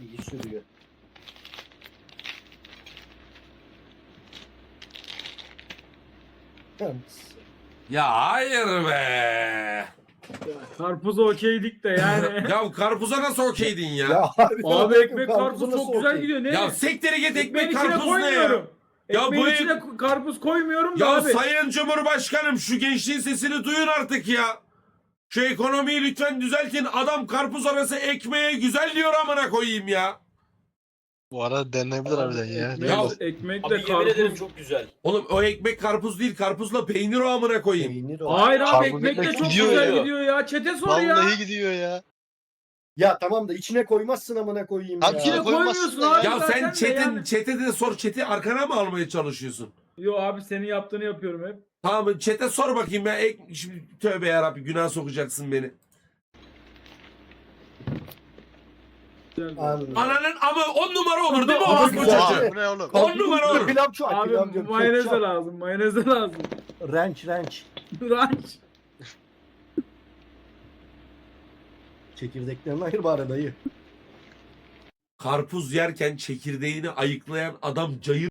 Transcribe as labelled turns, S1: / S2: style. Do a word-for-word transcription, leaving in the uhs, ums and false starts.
S1: İyi sürüyor. Yalnız.
S2: Ya hayır be.
S3: Karpuz okeydik de yani.
S2: Ya karpuza nasıl okeydin ya?
S1: Ya harbiden
S3: Abi
S1: bakın,
S3: ekmek
S1: karpuzu
S3: karpuz
S1: nasıl
S3: çok güzel
S1: okey?
S3: gidiyor. Ne?
S2: Ya sektere git
S3: Ekmeğin
S2: ekmek
S3: içine
S2: karpuz ne ya?
S3: koymuyorum.
S2: Ya
S3: Ekmeğin
S2: bu
S3: içine
S2: ek-
S3: karpuz koymuyorum da
S2: Ya
S3: abi.
S2: Sayın Cumhurbaşkanım şu gençliğin sesini duyun artık ya. Şu ekonomiyi lütfen düzeltin. Adam karpuz arası ekmeğe güzel diyor amına koyayım ya.
S4: Bu arada denenebilir harbiden ya.
S3: Ekmek,
S2: Ya-
S3: ekmekle
S5: Abi yemin ederim
S3: karpuz.
S5: çok güzel.
S2: Oğlum o ekmek karpuz değil, karpuzla peynir o amına koyayım.
S1: Peynir o.
S3: Hayır abi
S4: Karpuz
S3: ekmekle
S4: ekmek
S3: çok
S4: gidiyor
S3: güzel
S5: ya.
S3: gidiyor ya. Çete sor ya.
S4: Vallahi gidiyor ya.
S1: Ya tamam da içine koymazsın amına koyayım
S4: Abi
S1: ya.
S3: İçine
S4: koymazsın
S3: koymuyorsun
S4: da
S3: abi.
S2: Ya
S3: zaten
S2: sen
S3: de
S2: çetin,
S3: yani.
S2: çete de sor, çeti arkana mı almaya çalışıyorsun?
S3: Yo abi senin yaptığını yapıyorum hep.
S2: Tamam çete sor bakayım ya. Ek, şimdi tövbe yarabbi günah sokacaksın beni.
S3: Güzel.
S1: Anladım.
S2: Ananın ama on numara olur değil mi
S3: Ama
S2: orospu
S3: güzel.
S2: çocuğu?
S4: Aa, bu ne oğlum?
S2: On numara olur.
S1: Pilav çok
S3: Abi
S1: pilav diyorum.
S3: mayonez de
S1: ketçap.
S3: lazım. Mayonez de lazım.
S1: Ranch ranch.
S3: Ranch.
S1: Çekirdeklerini ayır bari dayı.
S2: Karpuz yerken çekirdeğini ayıklayan adam cayır